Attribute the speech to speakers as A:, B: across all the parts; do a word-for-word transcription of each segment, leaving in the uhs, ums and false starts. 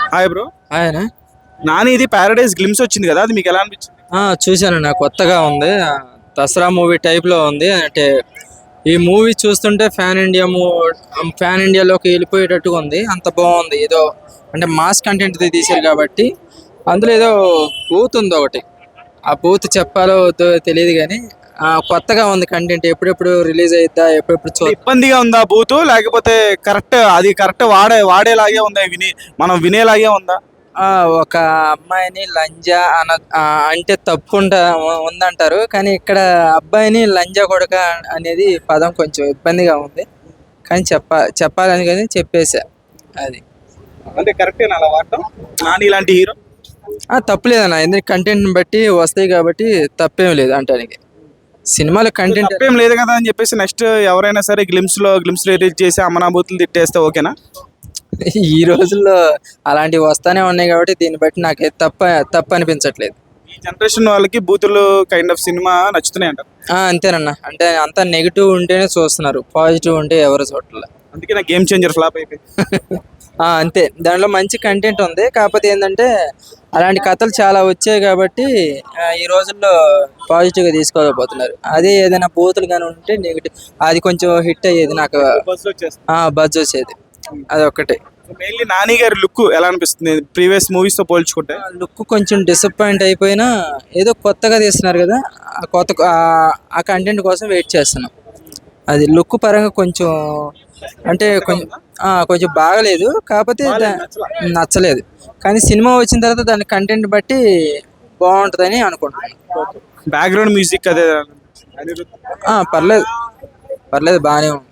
A: Hi bro.
B: ఆయన
A: నాని ఇది paradise glimpse వచ్చింది కదా, అది మీకు ఎలా అనిపించింది?
B: చూశాను, కొత్తగా ఉంది. ఆ, దసరా మూవీ టైప్లో ఉంది. అంటే ఈ మూవీ చూస్తుంటే ఫ్యాన్ ఇండియా మూ ఫ్యాన్ ఇండియాలోకి వెళ్ళిపోయేటట్టుగా ఉంది. అంత బాగుంది. ఏదో అంటే మాస్ కంటెంట్ తీశారు కాబట్టి అందులో ఏదో బూత్ ఉంది ఒకటి. ఆ బూత్ చెప్పాలో వద్దో తెలియదు కానీ కొత్తగా ఉంది కంటెంట్. ఎప్పుడెప్పుడు రిలీజ్ అయిద్దా, ఎప్పుడెప్పుడు చూ
A: ఇబ్బందిగా ఉందా బూతు, లేకపోతే కరెక్ట్ అది కరెక్ట్ వాడే వాడేలాగే ఉందా, విని మనం వినేలాగే ఉందా?
B: ఆ, ఒక అమ్మాయిని లంజా అన ఆ, అంటే తప్పుకుంటా ఉ- ఉందంటారు. కానీ ఇక్కడ అబ్బాయిని లంజా కొడక అనేది పదం కొంచెం ఇబ్బందిగా ఉంది. కానీ చెప్ప చెప్పాలని కానీ చెప్పేశా. అది
A: అంటే కరెక్టేనా అలా వాడటం? నాని ఇలాంటి హీరో
B: ఆ, తప్పులేదన్న. ఎందుకంటే కంటెంట్ని బట్టి వస్తాయి కాబట్టి తప్పేం లేదు అంటానికి. సినిమాలో కంటెంట్
A: తప్పేం లేదు కదా అని చెప్పేసి నెక్స్ట్ ఎవరైనా సరే గ్లిమ్స్ లో గ్లిమ్స్ రిలీజ్ చేసి అమనాభూతులు తిట్టేస్తే ఓకేనా?
B: ఈ రోజుల్లో అలాంటివి వస్తానే ఉన్నాయి కాబట్టి దీన్ని బట్టి నాకు తప్ప తప్పు అనిపించట్లేదు.
A: ఈ జనరేషన్ వాళ్ళకి బూతులు కైండ్ ఆఫ్ సినిమా నచ్చుతున్నాయి అంటారు.
B: ఆ, అంతేనన్న. అంటే అంతా నెగిటివ్ ఉంటేనే చూస్తున్నారు, పాజిటివ్ ఉంటే ఎవరు చూడట్లేదు.
A: అందుకే నా గేమ్ చేంజర్ ఫ్లాప్ అయిపోయింది.
B: ఆ, అంతే. దాంట్లో మంచి కంటెంట్ ఉంది. కాకపోతే ఏంటంటే అలాంటి కథలు చాలా వచ్చాయి కాబట్టి ఆ, ఈ రోజుల్లో పాజిటివ్గా తీసుకోలేకపోతున్నారు. అదే ఏదైనా బూతులు కానీ ఉంటే నెగిటివ్, అది కొంచెం హిట్ అయ్యేది నాకు.
A: బస్ వచ్చేస్తుంది.
B: ఆ, బజ్ వచ్చేది. అదొక్కటే.
A: మెయిన్లీ నాని గారి లుక్ ఎలా అనిపిస్తుంది ప్రీవియస్ మూవీస్ తో పోల్చుకుంటే?
B: లుక్ కొంచెం డిసప్పాయింట్ అయిపోయినా ఏదో కొత్తగా తీస్తున్నారు కదా, ఆ కొత్త ఆ- ఆ కంటెంట్ కోసం వెయిట్ చేస్తున్నాం. అది లుక్ పరంగా కొంచెం అంటే కొంచెం ఆ, కొంచెం బాగలేదు. కాకపోతే దా- నచ్చలేదు. కానీ సినిమా వచ్చిన తర్వాత దాని కంటెంట్ బట్టి బాగుంటుందని అనుకుంటున్నాను.
A: బ్యాక్గ్రౌండ్ మ్యూజిక్ అదే
B: ఆ, పర్లేదు పర్లేదు బాగానే ఉంది.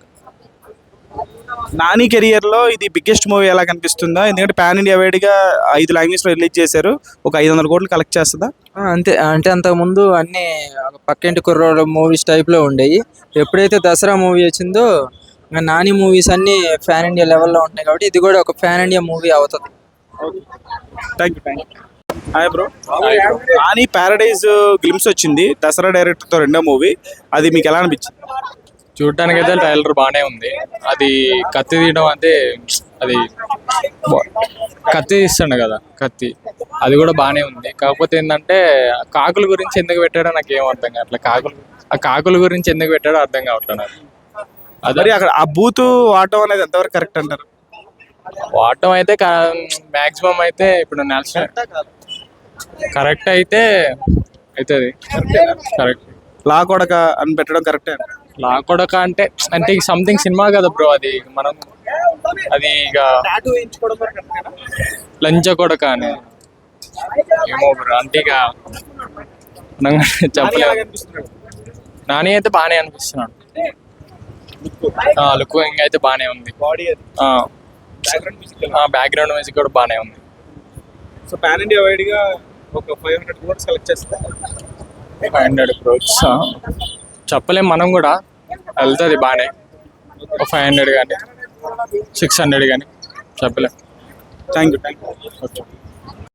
A: నాని కెరియర్ లో ఇది బిగ్గెస్ట్ మూవీ ఎలా కనిపిస్తుందా? ఎందుకంటే పాన్ ఇండియా వైడ్ గా ఐదు లాంగ్వేజ్ లో రిలీజ్ చేశారు. ఒక ఐదు వందల కోట్లు కలెక్ట్ చేస్తుందా?
B: ఆ, అంతే. అంటే అంతకుముందు అన్ని ఒక పక్కింటి కుర్రోడు మూవీస్ టైప్లో ఉండేవి. ఎప్పుడైతే దసరా మూవీ వచ్చిందో ఇంకా నాని మూవీస్ అన్ని ఫ్యాన్ ఇండియా లెవెల్లో ఉంటున్నాయి కాబట్టి ఇది కూడా ఒక ఫ్యాన్ ఇండియా మూవీ అవుతుంది.
A: Thank you thank you hi bro. Nani Paradise glimpse వచ్చింది దసరా డైరెక్టర్ తో, రెండో మూవీ. అది మీకు ఎలా అనిపించింది?
C: చూడటానికి అయితే ట్రైలర్ బాగానే ఉంది. అది కత్తి తీయడం అంటే అది బా- కత్తి తీస్తుండ కదా, కత్తి అది కూడా బాగానే ఉంది. కాకపోతే ఏంటంటే కాకుల గురించి ఎందుకు పెట్టాడో నాకు ఏం అర్థం కావట్లేదు. కాకులు ఆ కాకుల గురించి ఎందుకు పెట్టాడో అర్థం కావట్లేదు నాకు.
A: మరి
C: అదే
A: అక్కడ ఆ బూత్ వాడటం అనేది ఎంతవరకు కరెక్ట్ అంటారు?
C: వాడటం అయితే మ్యాక్సిమం అయితే ఇప్పుడు నేషనల్ కరెక్ట్ అయితే అవుతుంది. కరెక్ట్.
A: లా కొడక అని పెట్టడం కరెక్టే.
C: లాకొడక అంటే అంటే సంథింగ్ సినిమా కదా బ్రో, అది మనం అది ఇక లంచ కొడక అని ఏమో బ్రో, అంటే ఇక మనం చెప్పలేదు. నాని అయితే బాగానే అనిపిస్తున్నాడు. లుక్ ఇంకా అయితే బాగానే ఉంది. బ్యాక్గ్రౌండ్ మ్యూజిక్ కూడా బాగానే ఉంది.
A: సో పాన్ ఇండియా వైడ్ గా ఒక ఫైవ్ హండ్రెడ్ క్రోర్స్ కలెక్ట్ చేస్తారు.
C: ఫైవ్ హండ్రెడ్ క్రోర్స్ చెప్పలేం, మనం కూడా వెళ్తుంది బాగానే. ఒక ఫైవ్ హండ్రెడ్ కానీ సిక్స్ హండ్రెడ్ కానీ చెప్పలేం.
A: Thank you thank you
C: okay.